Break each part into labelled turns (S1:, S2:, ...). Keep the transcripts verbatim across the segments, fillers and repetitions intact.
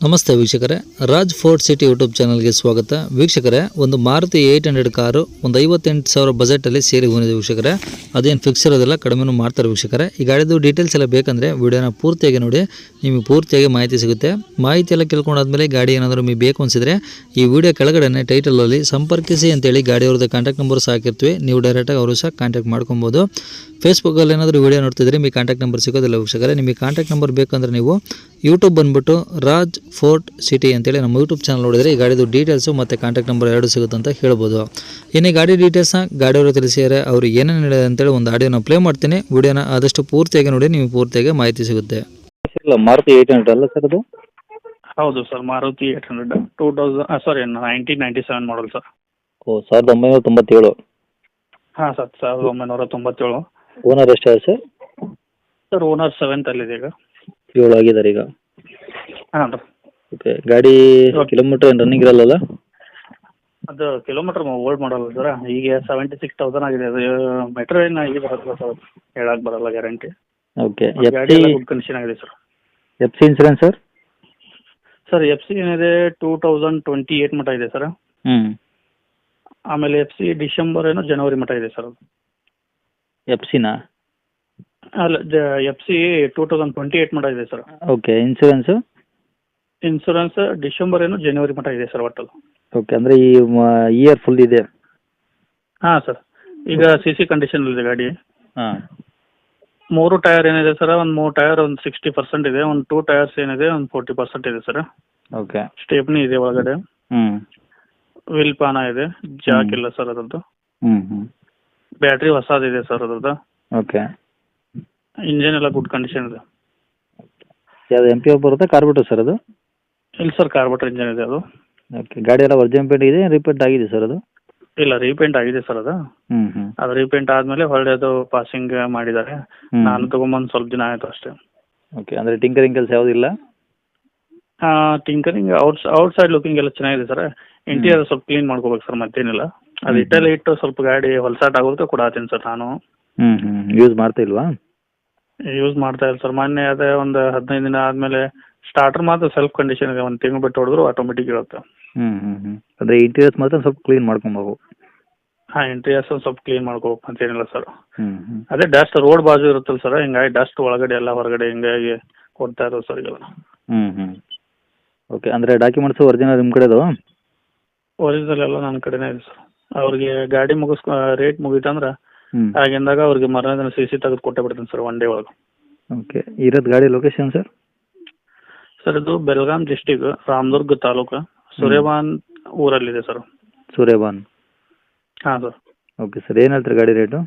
S1: ನಮಸ್ತೆ ವೀಕ್ಷಕರೇ, Raj fort city YouTube ಚಾನಲ್ಗೆ ಸ್ವಾಗತ. ವೀಕ್ಷಕರೇ, ಒಂದು ಮಾರುತಿ ಏಯ್ಟ್ ಹಂಡ್ರೆಡ್ ಕಾರು ಒಂದು ಐವತ್ತೆಂಟು ಸಾವಿರ ಬಜೆಟಲ್ಲಿ ಸೇರಿ ಬಂದಿದೆ ವೀಕ್ಷಕರೇ. ಅದೇನು ಫಿಕ್ಸ್ ಇರೋದಿಲ್ಲ, ಕಡಿಮೆನೂ ಮಾಡ್ತಾರೆ ವೀಕ್ಷಕರೇ. ಈ ಗಾಡಿದು ಡೀಟೇಲ್ಸ್ ಎಲ್ಲ ಬೇಕಂದರೆ ವಿಡಿಯೋನ ಪೂರ್ತಿಯಾಗಿ ನೋಡಿ, ನಿಮಗೆ ಪೂರ್ತಿಯಾಗಿ ಮಾಹಿತಿ ಸಿಗುತ್ತೆ. ಮಾಹಿತಿ ಎಲ್ಲ ಕೇಳ್ಕೊಂಡಾದ್ಮೇಲೆ ಗಾಡಿ ಏನಾದರೂ ನಿಮಗೆ ಬೇಕು ಅನಿಸಿದರೆ ಈ ವಿಡಿಯೋ ಕೆಳಗಡೆ ಟೈಟಲಲ್ಲಿ ಸಂಪರ್ಕಿಸಿ ಅಂತೇಳಿ ಗಾಡಿಯವ್ರದ್ದು ಕಾಂಟ್ಯಾಕ್ಟ್ ನಂಬರ್ ಹಾಕಿರ್ತೀವಿ. ನೀವು ಡೈರೆಕ್ಟಾಗಿ ಅವರು ಸಹ ಕಾಂಟ್ಯಾಕ್ಟ್ ಮಾಡ್ಕೊಬೋದು. ಫೇಸ್ಬುಕ್ಕಲ್ಲಿ ಏನಾದರೂ ವಿಡಿಯೋ ನೋಡ್ತಿದ್ರೆ ನಿಮಗೆ ಕಾಂಟ್ಯಾಕ್ಟ್ ನಂಬರ್ ಸಿಗೋದಿಲ್ಲ ವೀಕ್ಷಕರೇ. ನಿಮಗೆ ಕಾಂಟ್ಯಾಕ್ಟ್ ನಂಬರ್ ಬೇಕಂದ್ರೆ ನೀವು ಯೂಟ್ಯೂಬ್ ಬಂದುಬಿಟ್ಟು ರಾಜ್ ಫೋರ್ಟ್ ಸಿಟಿ ಅಂತೇಳಿ ನಮ್ಮ ಯೂಟ್ಯೂಬ್ ಚಾನಲ್ ನೋಡಿದರೆ ಈ ಗಾಡಿದು ಡೀಟೇಲ್ಸು ಮತ್ತು ಕಾಂಟ್ಯಾಕ್ಟ್ ನಂಬರ್ ಎರಡು ಸಿಗುತ್ತೆ ಅಂತ ಹೇಳ್ಬೋದು. ಇನ್ನು ಗಾಡಿ ಡೀಟೇಲ್ಸ್ನ ಗಾಡಿಯವರು ತಿಳಿಸಿದರೆ ಅವರು ಏನೇನು ಹೇಳಿದೆ ಅಂತೇಳಿ ಒಂದು ಆಡಿಯೋನ ಪ್ಲೇ ಮಾಡ್ತೀನಿ. ವಿಡಿಯೋನ ಆದಷ್ಟು ಪೂರ್ತಿಯಾಗಿ ನೋಡಿ, ನಿಮಗೆ ಪೂರ್ತಿಯಾಗಿ ಮಾಹಿತಿ ಸಿಗುತ್ತೆ.
S2: ಮಾರುತಿ ಏಯ್ಟ್ ಹಂಡ್ರೆಡ್ ಅಲ್ಲ ಸರ್ ಅದು?
S3: ಹೌದು sir, Maruti eight hundred two thousand sorry nineteen ninety seven model sir.
S2: ಓ, ಸಾವಿರದ ಒಂಬೈನೂರ ತೊಂಬತ್ತೇಳು.
S3: ಹಾಂ ಸರ್, ಸಾವಿರದ ಒಂಬೈನೂರ ತೊಂಬತ್ತೇಳು.
S2: ಓನರ್ ಎಷ್ಟಾಗಿದೆ ಸರ್?
S3: ಸರ್ ಓನರ್ ಸೆವೆಂತಲ್ಲಿದೆ ಈಗ.
S2: ಏಳು ಆಗಿದ್ದಾರೆ ಈಗ.
S3: ಹಾಂ ರೀ.
S2: ಓಕೆ, ಗಾಡಿ ಕಿಲೋಮೀಟರ್ ಏನು ರನ್ನಿಂಗ್ ಇರಲ್ಲ?
S3: ಅದು ಕಿಲೋಮೀಟರ್ ಓಲ್ಡ್ ಮಾಡಲ್ಲ ಸರ್, ಈಗ ಸೆವೆಂಟಿ ಸಿಕ್ಸ್ ತೌಸಂಡ್ ಆಗಿದೆ. ಅದು ಮೆಟ್ರೋ ಏನು ಈಗ ಬರಲ್ಲ ಸರ್, ಹೇಳಕ್ಕೆ ಬರಲ್ಲ ಗ್ಯಾರಂಟಿ.
S2: ಓಕೆ,
S3: ಗಾಡಿ ಎಲ್ಲ ಗುಡ್ ಕಂಡೀಷನ್ ಆಗಿದೆ sir.
S2: F C insurance sir?
S3: Sir F C ಏನಿದೆ ಟೂ ತೌಸಂಡ್ ಟ್ವೆಂಟಿ ಏಯ್ಟ್ ಮಟ್ಟ ಇದೆ ಸರ್.
S2: ಹ್ಞೂ.
S3: ಆಮೇಲೆ ಎಫ್ ಸಿ ಡಿಸೆಂಬರ್ ಏನೋ ಜನವರಿ ಮಟ್ಟ ಇದೆ ಸರ್.
S2: ಎಫ್ ಸಿನಾ?
S3: ಅಲ್ಲ, F C two thousand twenty eight ಮಟ್ಟ ಇದೆ sir.
S2: Okay, insurance?
S3: Insurance December ಏನೋ ಜನವರಿ ಮಟ್ಟ ಇದೆ ಸರ್ ಒಟ್ಟಲ್ಲಿ.
S2: ಓಕೆ, ಅಂದರೆ ಈ ಇಯರ್ ಫುಲ್ ಇದೆ?
S3: ಹಾಂ ಸರ್, ಈಗ ಸಿ ಸಿ ಕಂಡೀಷನಲ್ಲಿದೆ ಗಾಡಿ.
S2: ಹಾಂ.
S3: ಮೂರು ಟೈರ್ ಏನಿದೆ ಸರ್, ಒಂದು ಮೂರು ಟೈರ್ ಒಂದು ಸಿಕ್ಸ್ಟಿ ಪರ್ಸೆಂಟ್ ಇದೆ, ಒಂದು ಟೂ ಟೈರ್ಸ್ ಏನಿದೆ ಒಂದು ಫೋರ್ಟಿ ಪರ್ಸೆಂಟ್ ಇದೆ ಸರ್.
S2: ಓಕೆ.
S3: ಸ್ಟೇಪ್ನಿ ಇದೆ ಒಳಗಡೆ.
S2: ಹ್ಞೂ.
S3: ವಿಲ್ ಪಾನ ಇದೆ, ಜಾಕ್ ಇಲ್ಲ ಸರ್ ಅದ್ರದ್ದು.
S2: ಹ್ಞೂ ಹ್ಞೂ.
S3: ಬ್ಯಾಟ್ರಿ ಹೊಸದಿದೆ ಸರ್ ಅದ್ರದ್ದು.
S2: ಓಕೆ.
S3: ಇಂಜಿನ್ ಎಲ್ಲ ಗುಡ್ ಕಂಡೀಷನ್ ಇದೆ.
S2: ಯಾವುದು ಎಮ್ ಪಿ ಎಫ್ ಬರುತ್ತೆ ಕಾರ್ಬೋರೇಟರ್ ಸರ್ ಅದು?
S3: ಇಲ್ಲ ಸರ್, ಕಾರ್ಬೋರೇಟರ್ ಇಂಜಿನ್ ಇದೆ ಅದು.
S2: ಓಕೆ, ಗಾಡಿ ಎಲ್ಲ ಒರಿಜಿನಲ್ ಪೇಂಟ್ ಇದೆ, ರಿಪೇಂಟ್ ಆಗಿದೆ ಸರ್ ಅದು?
S3: ಇಲ್ಲ, ರೀಪೇಂಟ್ ಆಗಿದೆ ಸರ್ ಅದು.
S2: ಹ್ಞೂ ಹ್ಞೂ.
S3: ಅದು ರೀಪೇಂಟ್ ಆದಮೇಲೆ ಹೊಳ್ಳಿ ಅದು ಪಾಸಿಂಗ್ ಮಾಡಿದ್ದಾರೆ. ನಾನು ತೊಗೊಂಬಂದು ಸ್ವಲ್ಪ ದಿನ ಆಯಿತು ಅಷ್ಟೇ.
S2: ಓಕೆ, ಅಂದರೆ ಟಿಂಕರಿಂಗ್ ಕೆಲಸ ಯಾವುದಿಲ್ಲ?
S3: Tinkering out outside looking ಎಲ್ಲ ಚೆನ್ನಾಗಿದೆ ಸರ್. ಇಂಟೀರಿಯರ್ ಸ್ವಲ್ಪ ಕ್ಲೀನ್ ಮಾಡ್ಕೋಬೇಕು ಸರ್, ಮತ್ತೇನಿಲ್ಲ. ಅದು ಇಟ್ಟಲ್ಲಿ ಇಟ್ಟು ಸ್ವಲ್ಪ ಗಾಡಿ ಹೊಲಸಾಟ ಆಗೋದಕ್ಕೆ ಕೊಡಾತೀನಿ ಸರ್ ನಾನು.
S2: ಹ್ಞೂ ಹ್ಞೂ. ಯೂಸ್ ಮಾಡ್ತಾ ಇಲ್ವಾ?
S3: ಯೂಸ್ ಮಾಡ್ತಾ ಇಲ್ಲ ಸರ್. ಮೊನ್ನೆ ಅದೇ ಒಂದು ಹದಿನೈದು ದಿನ ಆದಮೇಲೆ ಸ್ಟಾರ್ಟರ್ ಮಾತ್ರ ಸೆಲ್ಫ್ ಕಂಡೀಷನ್ ಇದೆ, ಒಂದು ತಿಂಗಳು ಬಿಟ್ಟು ಹೊಡೆದ್ರು ಆಟೋಮೆಟಿಕ್ ಇರುತ್ತೆ.
S2: ಹ್ಞೂ ಹ್ಞೂ ಹ್ಞೂ. ಅಂದರೆ ಇಂಟೀರಿಯರ್ಸ್ ಮಾತ್ರ ಸ್ವಲ್ಪ ಕ್ಲೀನ್ ಮಾಡ್ಕೊಬೇಕು?
S3: ಹಾಂ, ಇಂಟೀರಿಯರ್ಸ್ ಒಂದು ಸ್ವಲ್ಪ ಕ್ಲೀನ್ ಮಾಡ್ಕೋಬೇಕು ಅಂತೇನಿಲ್ಲ ಸರ್.
S2: ಹ್ಞೂ ಹ್ಞೂ.
S3: ಅದೇ ಡಸ್ಟ್ ರೋಡ್ ಬಾಜು ಇರುತ್ತಲ್ಲ ಸರ್, ಹಿಂಗಾಗಿ ಡಸ್ಟ್ ಒಳಗಡೆ ಎಲ್ಲ ಹೊರಗಡೆ ಹಿಂಗಾಗಿ ಕೊಡ್ತಾ ಇರೋದು ಸರ್ ಈಗೆಲ್ಲ.
S2: ಹ್ಞೂ ಹ್ಞೂ. ಓಕೆ, ಅಂದರೆ ಡಾಕ್ಯುಮೆಂಟ್ಸು ಒರಿಜಿನಲ್ ನಿಮ್ಮ ಕಡೆದು?
S3: ಒರಿಜಿನಲ್ ಎಲ್ಲ ನನ್ನ ಕಡೆನೇ ಇದೆ ಸರ್. ಅವ್ರಿಗೆ ಗಾಡಿ ಮುಗಿಸ್ಕೊ ರೇಟ್ ಮುಗೀತಂದ್ರೆ
S2: ಹ್ಞೂ
S3: ಆಗಿಂದಾಗ ಅವ್ರಿಗೆ ಮರಣ ದಿನ ಸಿ ಸಿ ತೆಗೆದು ಕೊಟ್ಟೆ ಬಿಡ್ತೀನಿ ಸರ್, ಒನ್ ಡೇ ಒಳಗೆ.
S2: ಓಕೆ, ಇರೋದು ಗಾಡಿ ಲೊಕೇಶನ್ ಸರ್?
S3: ಸರ್ ಇದು ಬೆಳಗಾಂ ಡಿಸ್ಟಿಕ್ ರಾಮದುರ್ಗ ತಾಲೂಕು ಸೂರ್ಯಬಾನ್ ಊರಲ್ಲಿದೆ ಸರ್.
S2: ಸೂರ್ಯಬಾನ್? ಹಾಂ
S3: ಸರ್.
S2: ಓಕೆ ಸರ್, ಏನು ಹೇಳ್ತೀರಿ ಗಾಡಿ ರೇಟು?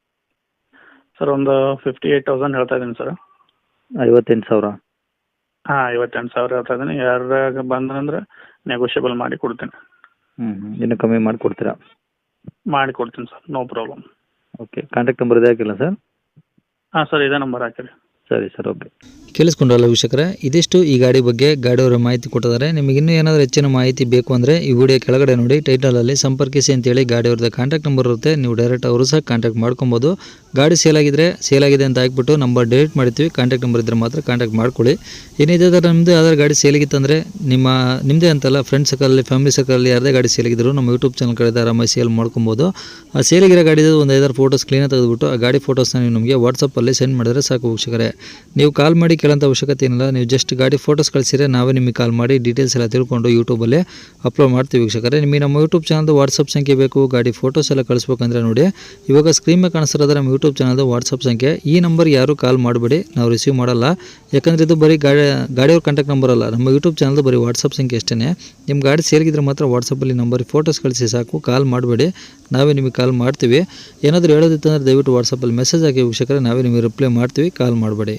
S3: ಸರ್ ಒಂದು ಫಿಫ್ಟಿ ಏಯ್ಟ್ ತೌಸಂಡ್ ಹೇಳ್ತಾ ಇದ್ದೀನಿ ಸರ್.
S2: ಐವತ್ತೆಂಟು ಸಾವಿರ?
S3: ಹಾಂ, ಐವತ್ತೆಂಟು ಸಾವಿರ ಹೇಳ್ತಾ ಇದ್ದೀನಿ. ಯಾರಾಗ ಬಂದ್ರಂದ್ರೆ ನೆಗೋಷಿಯಬಲ್ ಮಾಡಿ ಕೊಡ್ತೀನಿ.
S2: ಹ್ಞೂ ಹ್ಞೂ. ಇನ್ನೂ ಕಮ್ಮಿ ಮಾಡಿಕೊಡ್ತೀರಾ?
S3: ಮಾಡಿ ಕೊಡ್ತೀನಿ sir, no problem.
S2: Okay, contact number ಇದೆ ಹಾಕಿಲ್ಲ ಸರ್?
S3: ಹಾಂ ಸರ್, ಇದೇ ನಂಬರ್ ಹಾಕಿರಿ.
S2: ಸರಿ ಸರ್, ಓಕೆ.
S1: ಕೇಳಿಸ್ಕೊಂಡ್ರಲ್ಲ ವೀಕ್ಷಕರೇ, ಇದಿಷ್ಟು ಈ ಗಾಡಿ ಬಗ್ಗೆ ಗಾಡಿಯವರ ಮಾಹಿತಿ ಕೊಟ್ಟಿದ್ದಾರೆ. ನಿಮಗೆ ಇನ್ನೂ ಏನಾದರೂ ಹೆಚ್ಚಿನ ಮಾಹಿತಿ ಬೇಕು ಅಂದರೆ ಈ ವಿಡಿಯೋ ಕೆಳಗಡೆ ನೋಡಿ, ಟೈಟಲಲ್ಲಿ ಸಂಪರ್ಕಿಸಿ ಅಂತೇಳಿ ಗಾಡಿಯವ್ರದ್ದು ಕಾಂಟ್ಯಾಕ್ಟ್ ನಂಬರ್ ಇರುತ್ತೆ. ನೀವು ಡೈರೆಕ್ಟ್ ಅವರು ಸಹ ಕಾಂಟ್ಯಾಕ್ಟ್ ಮಾಡ್ಕೊಬೋದು. ಗಾಡಿ ಸೇಲ್ ಆಗಿದ್ರೆ ಸೇಲ್ ಆಗಿದೆ ಅಂತ ಹಾಕ್ಬಿಟ್ಟು ನಂಬರ್ ಡಿಲೀಟ್ ಮಾಡ್ತೀವಿ. ಕಾಂಟ್ಯಾಕ್ಟ್ ನಂಬರ್ ಇದ್ದರೆ ಮಾತ್ರ ಕಾಂಟ್ಯಾಕ್ಟ್ ಮಾಡ್ಕೊಳ್ಳಿ. ಏನಿದೆ ಥರ ನಿಮ್ಮದು ಯಾವ್ದಾದ್ರು ಗಾಡಿ ಸೇಲಿಗಿತ್ತಂದರೆ ನಿಮ್ಮ ನಿಮ್ಮದೇ ಅಂತಲ್ಲ, ಫ್ರೆಂಡ್ಸ್ ಸರ್ಕಲಲ್ಲಿ ಫ್ಯಾಮಿಲಿ ಸರ್ಕಲಲ್ಲಿ ಯಾರದೇ ಗಾಡಿ ಸೇಲಿಗಿದ್ರು ನಮ್ಮ ಯೂಟ್ಯೂಬ್ ಚಾನಲ್ ಕಡೆ ಆರಾಮಾಗಿ ಸೇಲ್ ಮಾಡ್ಕೊಬೋದು. ಆ ಸೇಲಿಗಿರೋ ಗಾಡಿದು ಒಂದು ಐದಾರು ಫೋಟೋಸ್ ಕ್ಲೀನಾಗಿ ತೆಗೆದುಬಿಟ್ಟು ಆ ಗಾಡಿ ಫೋಟೋಸ್ನ ನೀವು ನಮಗೆ ವಾಟ್ಸಪ್ಪಲ್ಲಿ ಸೆಂಡ್ ಮಾಡಿದ್ರೆ ಸಾಕು ವೀಕ್ಷಕರೇ. ನೀವು ಕಾಲ್ ಮಾಡಿ ಕೇಳೋಂಥ ಅವಶ್ಯಕತೆ ಏನಿಲ್ಲ. ನೀವು ಜಸ್ಟ್ ಗಾಡಿ ಫೋಟೋಸ್ ಕಳಿಸಿದ್ರೆ ನಾವೇ ನಿಮಗೆ ಕಾಲ್ ಮಾಡಿ ಡೀಟೇಲ್ಸ್ ಎಲ್ಲ ತಿಳ್ಕೊಂಡು ಯೂಟ್ಯೂಬಲ್ಲಿ ಅಪ್ಲೋಡ್ ಮಾಡ್ತೀವಿ ವೀಕ್ಷಕರೇ. ನಿಮಗೆ ನಮ್ಮ ಯೂಟ್ಯೂಬ್ ಚಾನಲ್ದು ವಾಟ್ಸಪ್ ಸಂಖ್ಯೆ ಬೇಕು, ಗಾಡಿ ಫೋಟೋಸ್ ಎಲ್ಲ ಕಳಿಸ್ಬೇಕಂದ್ರೆ ನೋಡಿ, ಇವಾಗ ಸ್ಕ್ರೀನ್ ಮೇಲೆ ಕಾಣಿಸ್ತಿರೋದ್ರೆ ನಮ್ಮ ಯೂಟ್ಯೂಬ್ ಚಾನಲ್ದು ವಾಟ್ಸಪ್ ಸಂಖ್ಯೆ. ಈ ನಂಬರ್ ಯಾರು ಕಾಲ್ ಮಾಡಬೇಡಿ, ನಾವು ರಿಸೀವ್ ಮಾಡಲ್ಲ. ಯಾಕಂದರೆ ಇದು ಬರೀ ಗಾಡಿ ಗಾಡಿಯವ್ರ ಕಾಂಟ್ಯಾಕ್ಟ್ ನಂಬರ್ ಅಲ್ಲ, ನಮ್ಮ ಯೂಟ್ಯೂಬ್ ಚಾನಲ್ದು ಬರೀ ವಾಟ್ಸಪ್ ಸಂಖ್ಯೆ ಅಷ್ಟೇ. ನಿಮ್ಮ ಗಾಡಿ ಸೇರಿಗಿದ್ರೆ ಮಾತ್ರ ವಾಟ್ಸಪ್ಪಲ್ಲಿ ನಂಬರ್ ಫೋಟೋಸ್ ಕಳಿಸಿ ಸಾಕು, ಕಾಲ್ ಮಾಡಬೇಡಿ, ನಾವೇ ನಿಮಗೆ ಕಾಲ್ ಮಾಡ್ತೀವಿ. ಏನಾದರೂ ಹೇಳೋದಿತ್ತಂದರೆ ದಯವಿಟ್ಟು ವಾಟ್ಸಪ್ಪಲ್ಲಿ ಮೆಸೇಜ್ ಹಾಕಿ ವೀಕ್ಷಕರೇ, ನಾವೇ ನಿಮಗೆ ರಿಪ್ಲೈ ಮಾಡ್ತೀವಿ, ಕಾಲ್ ಮಾಡಬೇಡಿ.